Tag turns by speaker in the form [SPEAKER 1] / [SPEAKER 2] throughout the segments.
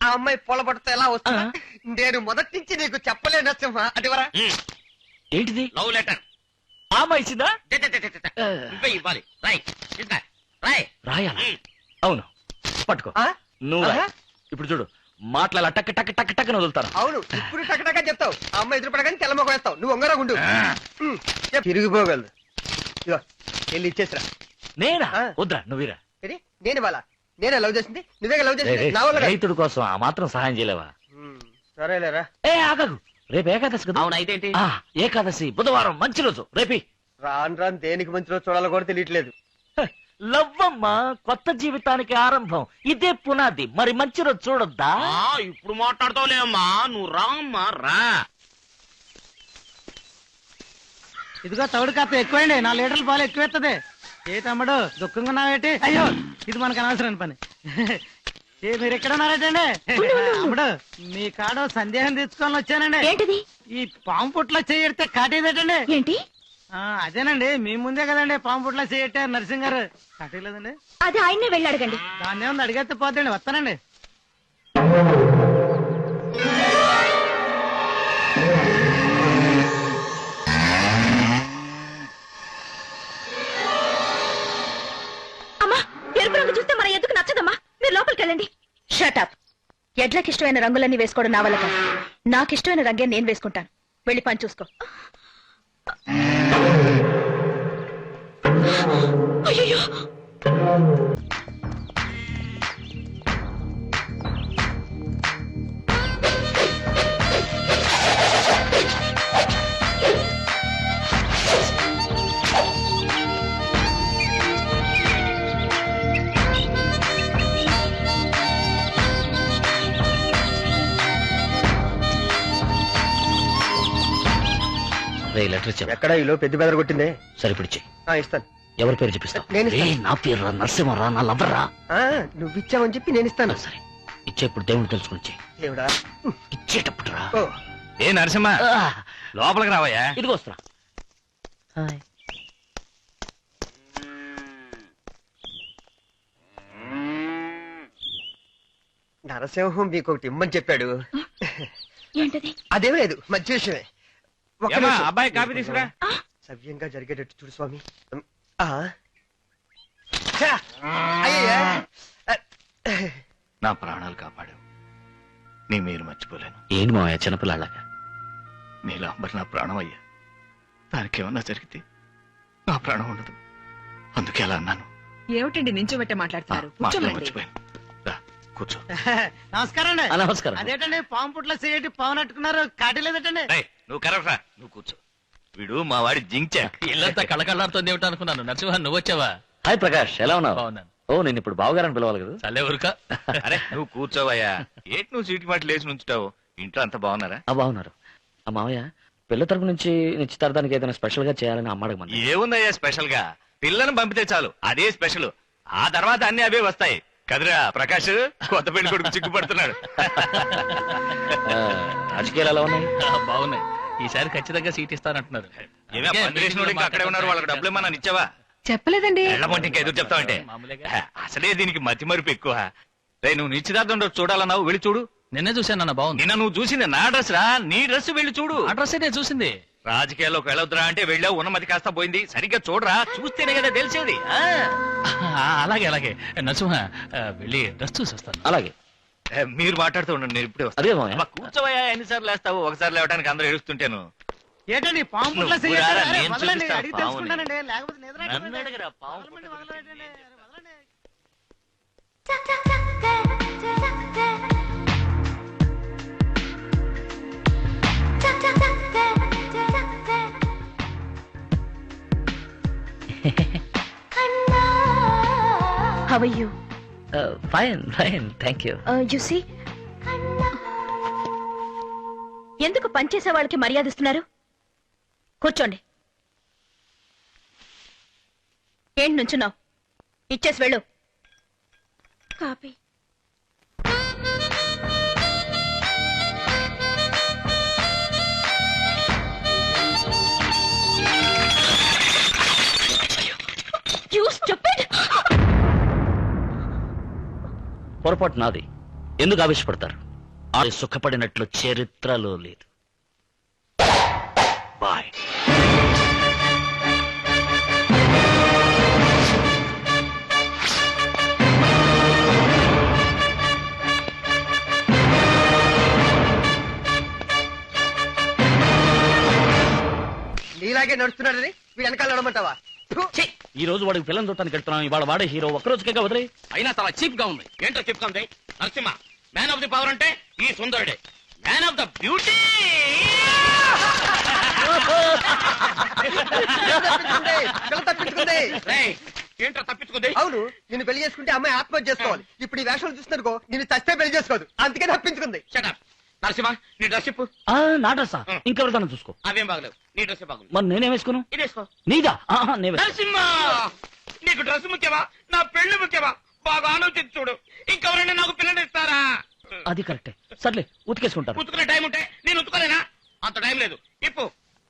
[SPEAKER 1] ఆ అమ్మాయి పొలబడితే ఎలా వస్తా నేను మొదటి నుంచి నీకు చెప్పలేను నరసింహ అటువరా.
[SPEAKER 2] ఏంటిది?
[SPEAKER 3] లవ్ లెటర్
[SPEAKER 2] ఆమె ఇచ్చిందా?
[SPEAKER 3] నువ్వే ఇవ్వాలి. రాయ్ ఇంకా రాయ్.
[SPEAKER 2] రాయాలా? అవును, పట్టుకో. నువ్వు రాయ్. ఇప్పుడు చూడు, మాట్లాడాల టక్ టక్ టక్ టక్ వదులుతాను.
[SPEAKER 1] అవును, ఇప్పుడు టకటకా చెప్తావు. ఆ అమ్మాయి ఎదురుపడగానే తెల్లమొక వేస్తావు. నువ్వు ఒంగరా గుండు తిరిగిపోగలదు. ఇగో వెళ్ళి ఇచ్చేసిరా.
[SPEAKER 2] నేనా? వద్దురా, నువ్వురా.
[SPEAKER 1] నేను వాళ్ళ నేనే లవ్ చేసింది, నువ్వే లవ్ చేసింది. నా వల్ల
[SPEAKER 2] రైతుడి కోసం ఆ మాత్రం సహాయం చేయలేవా?
[SPEAKER 1] సరేలేరా.
[SPEAKER 2] ఏ ఆగదు, రేపు ఏకాదశి కదా.
[SPEAKER 3] అవును, అయితే
[SPEAKER 2] ఏకాదశి బుధవారం, మంచి రోజు. రేపి
[SPEAKER 1] రాను రాను దేనికి మంచి రోజు చూడాలో కూడా తెలియట్లేదు.
[SPEAKER 2] లవ్వమ్మ కొత్త జీవితానికి ఆరంభం, ఇదే పునాది. మరి మంచి రోజు చూడొద్దా?
[SPEAKER 3] ఇప్పుడు మాట్లాడతావులేమ్మా, నువ్వు రామ్మా రా.
[SPEAKER 4] ఇదిగో తౌడు కాస్త ఎక్కువండి, 4 లీటర్ల పాలు ఎక్కువెత్తది. ఏ తమ్ముడు దుఃఖంగా ఉన్నావేటి? అయ్యో, ఇది మనకు అనవసరం పని. మీరు ఎక్కడ ఉన్నారటండి? తమ్ముడు, మీ కాడ సందేహం తెచ్చుకొని వచ్చానండి.
[SPEAKER 5] ఏంటిది?
[SPEAKER 4] ఈ పాము పుట్లో చేయడితే కాటేదటండి.
[SPEAKER 5] ఏంటి?
[SPEAKER 4] అదేనండి, మీ ముందే కదండి పాము పుట్లో చేయట్టారు నరసింహ గారు. కాటేలేదండి.
[SPEAKER 5] అది ఆయన్నే వెళ్ళి అడగండి.
[SPEAKER 4] దాన్ని ఏముంది, అడిగేస్తే పోతండి. వస్తానండి.
[SPEAKER 5] అమ్మా, ఎరుపు రంగు చూస్తే మన ఎందుకు నచ్చదమ్మా. మీరు లోపలికి వెళ్ళండి. షటప్. ఎడ్లకి ఇష్టమైన రంగులన్నీ వేసుకోవడం నా వల్ల కాదు. నాకు ఇష్టమైన రంగే నేను వేసుకుంటాను. వెళ్ళి పని చూసుకో. అయ్యో,
[SPEAKER 2] లెటర్ ఇచ్చా.
[SPEAKER 1] ఎక్కడ ఈలో పెద్ద బెదర కొట్టిందే.
[SPEAKER 2] సరిపిడిచి
[SPEAKER 1] ఇస్తాను.
[SPEAKER 2] ఎవరి పేరు చెప్పిస్తావు?
[SPEAKER 1] నేను
[SPEAKER 2] నా పేరు నరసింహరా, నా లవ్వరా.
[SPEAKER 1] నువ్వు ఇచ్చావని చెప్పి నేను ఇస్తాను.
[SPEAKER 2] సరే, ఇచ్చేప్పుడు దేవుడు తెలుసుకుని
[SPEAKER 1] దేవుడా,
[SPEAKER 2] ఇచ్చేటప్పుడు రా.
[SPEAKER 3] ఏ నరసింహ, లోపలికి రావయ్యా.
[SPEAKER 2] ఇదిగో వస్తున్నా.
[SPEAKER 1] నరసింహం మీకు ఒకటి ఇమ్మని చెప్పాడు.
[SPEAKER 5] ఏంటది?
[SPEAKER 1] అదేం లేదు, మంచి విషయమే.
[SPEAKER 3] అబ్బాయి కాఫీ తీసుకురా.
[SPEAKER 1] సవ్యంగా జరిగేటట్టు చూడు స్వామి. అయ్యా,
[SPEAKER 3] నా ప్రాణాలు కాపాడు. నీ మీరు మర్చిపోలేను.
[SPEAKER 2] ఏంటి మావయ్య చిన్నపిల్లలాగా?
[SPEAKER 3] నీలాంబర్ నా ప్రాణం అయ్యా. దానికి ఏమన్నా జరిగితే నా ప్రాణం ఉండదు. అందుకే అలా అన్నాను.
[SPEAKER 6] ఏమిటండి నించోబెట్టే మాట్లాడుతున్నారు?
[SPEAKER 3] మర్చిపోయాను. కూర్చో.
[SPEAKER 4] నమస్కారం అండి.
[SPEAKER 2] నమస్కారం.
[SPEAKER 4] అదేటండి, పాము పుట్లో చేయటి పాము నట్టుకున్నారు. కాటేలేదటండి.
[SPEAKER 3] నువ్వు కరవరా, నువ్వు కూర్చో. వీడు మా వాడి జించా.
[SPEAKER 7] ఇల్లంతా కళకళలాడుతోంది ఏమిటో అనుకున్నాను. నరసింహ, నువ్వు వచ్చావా?
[SPEAKER 2] హాయ్ ప్రకాష్, ఎలా ఉన్నావు?
[SPEAKER 7] బాగున్నాను.
[SPEAKER 2] ఓ, నేను ఇప్పుడు బావగారని పిలవాలి కదా.
[SPEAKER 7] చల్లే ఊరుక.
[SPEAKER 3] అరే నువ్వు కూర్చోవయ్యా. ఏంటి నువ్వు సీటు మాట లేచి నుంచుటావు? ఇంట్లో అంతా బాగున్నారా?
[SPEAKER 2] బాగున్నారు. ఆ మావయ్య, పిల్ల తరపు నుంచి నిశ్చితార్థానికి ఏదైనా స్పెషల్ గా చేయాలని అమ్మాడమని.
[SPEAKER 3] ఏముందయ్యా స్పెషల్ గా? పిల్లను పంపితే చాలు, అదే స్పెషల్. ఆ తర్వాత అన్ని అవే వస్తాయి కదరా ప్రకాష్. కొత్త పెళ్లి కొడుకు చిక్కుపడుతున్నాడు.
[SPEAKER 2] రాజకీయాలు ఎలా ఉన్నాయి?
[SPEAKER 7] బాగున్నాయి. ఈసారి ఖచ్చితంగా సీట్ ఇస్తానంటున్నారు.
[SPEAKER 3] అక్కడే ఉన్నారు. వాళ్ళకి డబ్బులు ఏమన్నా ఇచ్చావా?
[SPEAKER 6] చెప్పలేదండి.
[SPEAKER 3] ఎళ్ళమంటే ఇంకా ఎదురు చెప్తావంటే? అసలే దీనికి మతి మరుపు ఎక్కువ. రే, నువ్వు నిశ్చితార్థం చూడాలన్నావు, వెళ్ళి చూడు.
[SPEAKER 7] నిన్నే చూశానన్న, బాగుంది.
[SPEAKER 3] నిన్న నువ్వు చూసింది నా డ్రెస్ రా, నీ డ్రెస్ వెళ్ళి చూడు.
[SPEAKER 7] అడ్రస్ నేను చూసింది.
[SPEAKER 3] రాజకీయాల్లోకి వెళ్ళొద్దురా అంటే వెళ్ళావు, ఉన్నమతి కాస్త పోయింది. సరిగ్గా చూడరా, చూస్తేనే కదా తెలిసేది.
[SPEAKER 7] అలాగే అలాగే. నరసింహ, వెళ్ళి డ్రెస్ చూసి వస్తాను.
[SPEAKER 2] అలాగే.
[SPEAKER 3] మీరు మాట్లాడుతూ ఉండండి, నేను ఇప్పుడే
[SPEAKER 2] అదే
[SPEAKER 3] వస్తాను. కూర్చోవయ్యా, ఎన్నిసార్లు వేస్తావు? ఒకసారి లేవడానికి అందరూ ఏడుస్తుంటాను.
[SPEAKER 4] ఏంటండి పాము పుట్లో
[SPEAKER 3] నువ్వు
[SPEAKER 4] చేయటి?
[SPEAKER 3] రారా,
[SPEAKER 4] అరే,
[SPEAKER 3] నేను
[SPEAKER 4] వదలండి,
[SPEAKER 3] చూపిస్తా
[SPEAKER 4] అడిగి
[SPEAKER 3] పాముని.
[SPEAKER 4] తెలుసుకుంటానండి. లేకపోతే నిద్ర
[SPEAKER 3] నన్ను అడగరా, పాము
[SPEAKER 4] వదలండి, వదలండి, వదలండి.
[SPEAKER 5] How are you?
[SPEAKER 2] Fine fine, thank you.
[SPEAKER 5] You see? ఎందుకు పనిచేసే వాళ్ళకి మర్యాద ఇస్తున్నారు? కూర్చోండి. ఏంటి నుంచున్నావు? ఇచ్చేసి వెళ్ళు. కాపీ.
[SPEAKER 2] పొరపాటు నాది. ఎందుకు ఆవేశపడతారు? ఆ సుఖపడినట్లు చరిత్రలో లేదు. బాయ్.
[SPEAKER 1] నీలాగే నడుస్తున్నాడని వీడు వెనకాల నడమంటావా?
[SPEAKER 2] ఈ రోజు వాడికి పిల్లలు చూడటానికి వెళ్తున్నాం. ఇవాళ వాడే హీరో. ఒక్కరోజుకే వదిలే.
[SPEAKER 3] అయినా చాలా చీప్ గా ఉంది. ఏంటో చీప్ గా ఉంది? Narasimha man of the power అంటే ఈ సుందరుడే. మ్యాన్ ఆఫ్ ద బ్యూటీ
[SPEAKER 1] తప్పించుకుంది.
[SPEAKER 3] ఏంటో తప్పించుకుంది.
[SPEAKER 1] అవును, నిన్ను పెళ్లి చేసుకుంటే అమ్మాయి ఆత్మహత్య చేసుకోవాలి. ఇప్పుడు ఈ వేషాలు చూస్తున్నారుకో నిన్ను చస్తే పెళ్లి చేసుకోదు. అందుకే తప్పించుకుంది.
[SPEAKER 3] షటప్. నరసింహ నీ డ్రెస్ చెప్పు.
[SPEAKER 2] నా డ్రెస్సా? ఇంకెవరిదాన్ని చూసుకో.
[SPEAKER 3] అవేం బాగలేవు. నీ డ్రెస్ బాగుంది.
[SPEAKER 2] మరి నేనే వేసుకోను.
[SPEAKER 3] ఇదేసుకో.
[SPEAKER 2] నీదా? నేను
[SPEAKER 3] నరసింహ నీకు డ్రెస్ ముఖ్యమా నా పెళ్లి ముఖ్యమా? బాగా ఆలోచించి చూడు. ఇంకెవరైనా నాకు పిల్లలు ఇస్తారా?
[SPEAKER 2] అది కరెక్టే. సర్లే, ఉతికేసుకుంటారు.
[SPEAKER 3] ఉతుకునే టైం ఉంటే నేను ఉతుకోలేనా? అంత టైం లేదు. ఇప్పు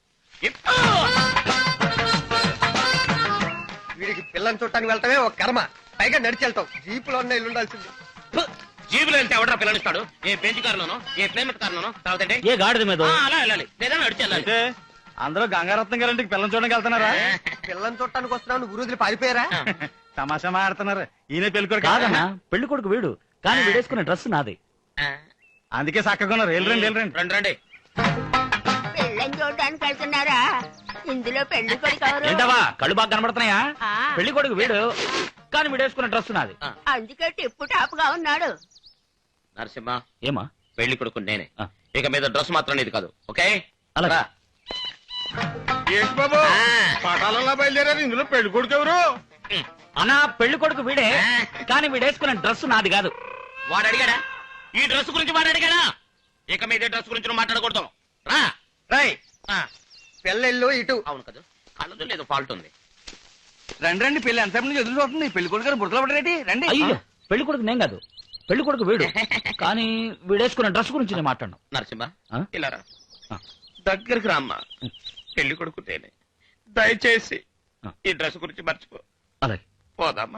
[SPEAKER 1] వీడికి పిల్లని చూడటానికి వెళ్ళటమే ఒక కర్మ. పైగా నడిచి వెళ్తాం. జీపులో ఉన్న ఇల్లు ఉండాల్సింది.
[SPEAKER 3] జీబులో వెళ్తే ఎవడరా పిల్లనిస్తాడు? ఏ బెంచ్ కారులోనో ఏ ప్లేమెట్ కారులోనో తర్వాత
[SPEAKER 2] ఏ గాడిద మీద
[SPEAKER 3] అలా వెళ్ళాలి. లేదా నడిచి వెళ్ళాలి.
[SPEAKER 4] అందరూ గంగారత్నం గారింటికి పిల్లలు చూడడానికి వెళ్తున్నారా?
[SPEAKER 1] పిల్లని చూడటానికి వస్తున్నావు, ఊరు వదిలి పారిపోయారా?
[SPEAKER 4] తమాషా మాడుతున్నారు. ఈయన పెళ్ళికొడుకు
[SPEAKER 2] కాదన్నా, పెళ్లి కొడుకు వీడు. కానీ వీడేసుకునే డ్రెస్ నాది.
[SPEAKER 4] అందుకే చక్కగా ఉన్నారు. వెళ్ళరండి వెళ్ళరండి.
[SPEAKER 3] రండి రండి.
[SPEAKER 8] పెళ్ళని చూడడానికి వెళ్తున్నారా? ఇందులో పెళ్లి కొడుకు ఎవరు?
[SPEAKER 2] ఏంటవా కళ్ళు బాగా కనబడుతున్నాయా?
[SPEAKER 8] ఆ.
[SPEAKER 2] పెళ్లి కొడుకు వీడు. కానీ వీడేసుకునే డ్రెస్ నాది.
[SPEAKER 8] అందుకే టిప్పు టాప్ గా ఉన్నాడు.
[SPEAKER 3] నరసింహ
[SPEAKER 2] ఏమా?
[SPEAKER 3] పెళ్లి కొడుకు నేనే.
[SPEAKER 2] ఆ.
[SPEAKER 3] ఇక మీద డ్రెస్ మాత్రం నీది కాదు. ఓకే?
[SPEAKER 2] అలాగా.
[SPEAKER 3] ఏంటి బాబు
[SPEAKER 1] పటాలలో బయలుదేరారు. ఇందులో పెళ్లి కొడుకు ఎవరు?
[SPEAKER 2] అన్నా, పెళ్లి కొడుకు వీడే. కానీ వీడేసుకునే డ్రెస్ నాది కాదు.
[SPEAKER 3] వాడు అడిగాడా? ఈ డ్రెస్ గురించి వాడు అడిగాడా? ఇక మీద డ్రెస్ గురించి నువ్వు మాట్లాడకూడదు. రా.
[SPEAKER 1] రై
[SPEAKER 3] ఆ,
[SPEAKER 1] పెళ్ళిళ్ళు ఇటు.
[SPEAKER 3] అవును కదా. కళ్ళదు లేదు ఫాల్ట్ ఉంది.
[SPEAKER 4] రండి రండి. పెళ్లి ఎంతసేపు నుంచి ఎదురు చూస్తుంది. పెళ్లి కొడుకు గారు బుడతలు పడరేటి? రండి.
[SPEAKER 2] అయ్యో, పెళ్లి కొడుకు నేను కాదు. పెళ్లి కొడుకు వీడు. కానీ వీడేసుకునే డ్రెస్ గురించి నేను మాట్లాడను.
[SPEAKER 3] నరసింహ
[SPEAKER 2] ఆ?
[SPEAKER 3] ఇలా రా.
[SPEAKER 2] ఆ.
[SPEAKER 3] దగ్గరికి రామ్మా. పెళ్లి కొడుకు నేనే. దయచేసి
[SPEAKER 2] ఆ.
[SPEAKER 3] ఈ డ్రెస్ గురించి మర్చిపో.
[SPEAKER 2] అలాగే.
[SPEAKER 3] పోదామా?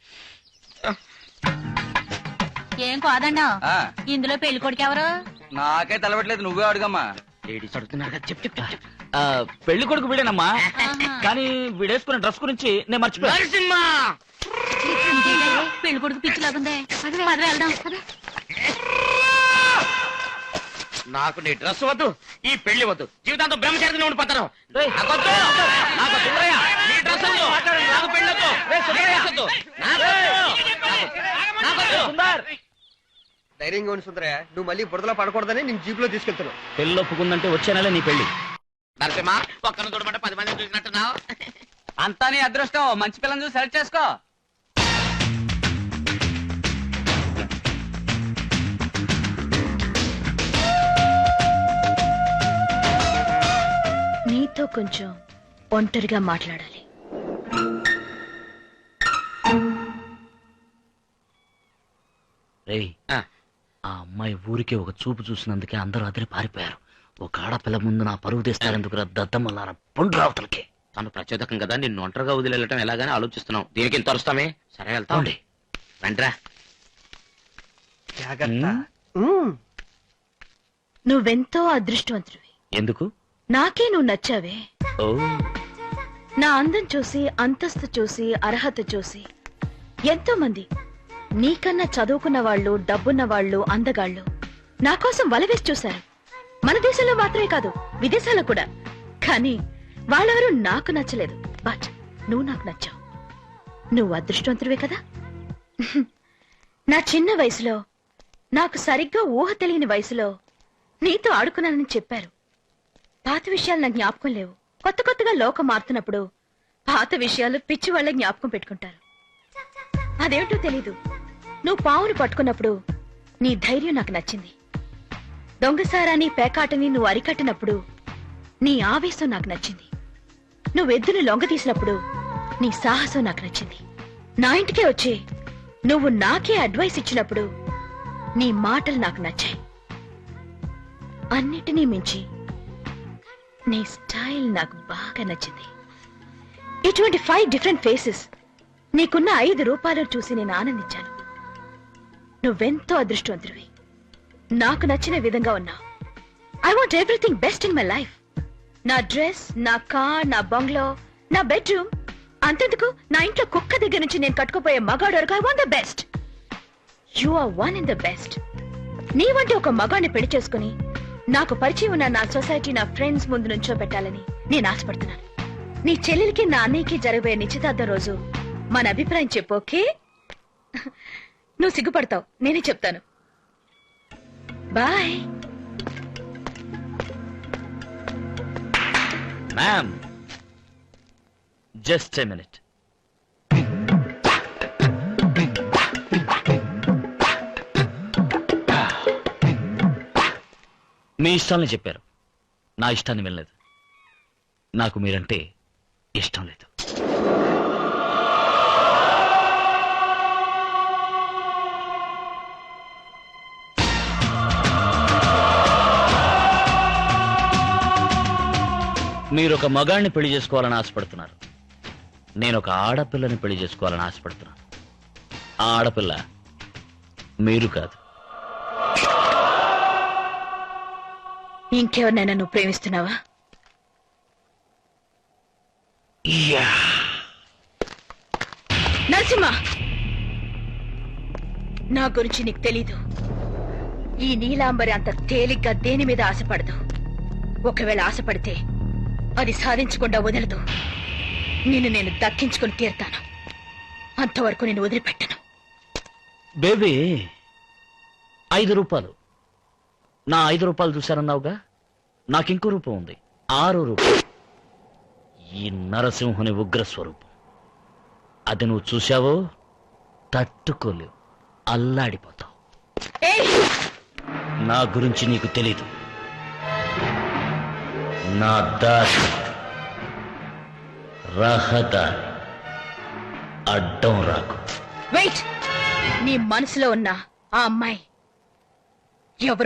[SPEAKER 8] ఏం కాదండా? ఇందులో పెళ్లి కొడుకు ఎవరు?
[SPEAKER 4] నాకే తలబెట్టలేదు. నువ్వే అడుగమ్మా.
[SPEAKER 3] లేడీస్ అడుగుతున్నారు కదా. చెప్పు చెప్పు చెప్పు.
[SPEAKER 2] పెళ్లి కొడుకు వీడేనమ్మా. కానీ వీడేసుకునే డ్రెస్ గురించి నేను మర్చిపోయాను.
[SPEAKER 3] నరసింహ
[SPEAKER 8] పెళ్లి కొడుకు పిచ్చిలాగుందే. పద వెళ్దాం.
[SPEAKER 3] నాకు నీ డ్రెస్ వద్దు, ఈ పెళ్లి వద్దు. జీవితాంతం బ్రహ్మచారిగా ఉండిపోతాను.
[SPEAKER 2] రేయ్,
[SPEAKER 3] నాకొద్దు. నాకు సుందరయ్య, నీ డ్రెస్ వద్దు. నాకు పెళ్లి వద్దు. సుందరయ్య వద్దు. నాకొద్దు.
[SPEAKER 2] సుందర్,
[SPEAKER 1] ధైర్యంగా ఉండి సుందరయ్య, నువ్వు మళ్ళీ బురదలో పడకూడదని నేను జీపులో తీసుకెళ్తున్నావు.
[SPEAKER 2] పెళ్లి ఒప్పుకుందంటే వచ్చే నెల నీ పెళ్లి.
[SPEAKER 3] నరసింహ ఒక్కను చూడమంటే 10 మందిని చూసినట్టున్నావు.
[SPEAKER 4] అంతా నీ అదృష్టం. మంచి పిల్లని చూసి సెలెక్ట్ చేసుకో.
[SPEAKER 5] నీతో కొంచెం ఒంటరిగా మాట్లాడాలి.
[SPEAKER 2] రేయ్,
[SPEAKER 3] ఆ,
[SPEAKER 2] ఆ అమ్మాయి ఊరికే ఒక చూపు చూసినందుకే అందరూ అదిరి పారిపోయారు. ఒక ఆడపిల్ల ముందు నా పరువు తీస్తారెందుకు దద్దమ్మలారా పుండ్రావతలకి.
[SPEAKER 3] తను ప్రచోదకం కదా, నిన్ను ఒంటరిగా వదిలేయటం ఎలాగని ఆలోచిస్తున్నావు. దీనికి ఇంత అరుస్తామే. సరే వెళ్తా
[SPEAKER 2] అవునండి.
[SPEAKER 3] రండిరా.
[SPEAKER 1] జాగ్రత్త.
[SPEAKER 5] నువ్వెంతో అదృష్టవంతుడివి.
[SPEAKER 2] ఎందుకు?
[SPEAKER 5] నాకే నువ్వు నచ్చావే.
[SPEAKER 2] ఓ,
[SPEAKER 5] నా అందం చూసి, అంతస్తు చూసి, అర్హత చూసి ఎంతో మంది నీకన్నా చదువుకున్న వాళ్ళు, డబ్బున్న వాళ్ళు, అందగాళ్ళు నా కోసం వలవేసి చూశారు. మన దేశంలో మాత్రమే కాదు, విదేశాల్లో కూడా. కానీ వాళ్ళెవరూ నాకు నచ్చలేదు. బట్ నువ్వు నాకు నచ్చావు. నువ్వు అదృష్టవంతుడివే కదా. నా చిన్న వయసులో, నాకు సరిగ్గా ఊహ తెలియని వయసులో నీతో ఆడుకున్నానని చెప్పారు. పాత విషయాలు నాకు జ్ఞాపకం లేవు. కొత్త కొత్తగా లోకం మారుతున్నప్పుడు పాత విషయాలు పిచ్చి వాళ్ళ జ్ఞాపకం పెట్టుకుంటారు. అదేమిటో తెలీదు. నువ్వు పావును పట్టుకున్నప్పుడు నీ ధైర్యం నాకు నచ్చింది. దొంగసారాన్ని, పేకాటని నువ్వు అరికట్టినప్పుడు నీ ఆవేశం నాకు నచ్చింది. నువ్వెద్దును లొంగ తీసినప్పుడు నీ సాహసం నాకు నచ్చింది. నా ఇంటికే వచ్చి నువ్వు నాకే అడ్వైస్ ఇచ్చినప్పుడు నీ మాటలు నాకు నచ్చాయి. అన్నిటినీ మించి నీ స్టైల్ నాకు బాగా నచ్చింది. ఇటువంటి 5 డిఫరెంట్ ఫేసెస్ నీకున్న 5 రూపాయలు చూసి నేను ఆనందించాను. నువ్వెంతో అదృష్టవంతుడివి. నాకు నచ్చిన విధంగా ఉన్నావు. I want everything best in my life. నా డ్రెస్, నా కార్, నా బంగ్లో, నా బెడ్రూమ్, అంతెందుకు నా ఇంట్లో కుక్క దగ్గర నుంచి నేను కట్టుకుపోయే మగాడు వరకు I want the best. You are one in the best. నీ వంటి ఒక మగాడిని పెళ్లి చేసుకుని నాకు పరిచయం ఉన్న నా సొసైటీ, నా ఫ్రెండ్స్ ముందు నుంచో పెట్టాలని నేను ఆశపడుతున్నాను. నీ చెల్లెలికి నా అన్నయ్యకి జరగబోయే నిశ్చితార్థం రోజు మన అభిప్రాయం చెప్పు, ఓకే? నువ్వు సిగ్గుపడతావు, నేనే చెప్తాను. Bye.
[SPEAKER 2] Ma'am, just a minute. మీ ఇష్టాన్ని చెప్పారు, నా ఇష్టాన్ని వినలేదు. నాకు మీరంటే ఇష్టం లేదు. మీరు ఒక మగాడిని పెళ్లి చేసుకోవాలని ఆశపడుతున్నారు. నేను ఒక ఆడపిల్లని పెళ్లి చేసుకోవాలని ఆశపడుతున్నాను. ఆ ఆడపిల్ల మీరు కాదు.
[SPEAKER 5] ఇంకెవరినైనా నువ్వు ప్రేమిస్తున్నావా? నరసింహ, నా గురించి నీకు తెలీదు. ఈ నీలాంబరి అంత తేలిగ్గా దేని మీద ఆశపడదు. ఒకవేళ ఆశపడితే అది సాధించకుండా వదలదు. నిన్ను నేను దక్కించుకుని తీరుతాను. అంతవరకు నేను వదిలిపెట్టను.
[SPEAKER 2] బేబీ, 5 రూపాయలు. నా 5 రూపాయలు చూశారన్నావుగా, నాకింకో రూపం ఉంది, 6 రూపాయలు. ఈ నరసింహుని ఉగ్రస్వరూపం. అది నువ్వు చూశావో తట్టుకోలేవు, అల్లాడిపోతావు.
[SPEAKER 5] ఏయ్!
[SPEAKER 2] నా గురించి నీకు తెలీదు. నా దారి రహదారి, అడ్డం రాకు.
[SPEAKER 5] వెయిట్! నీ మనసులో ఉన్న ఆ అమ్మాయి ఎవరు?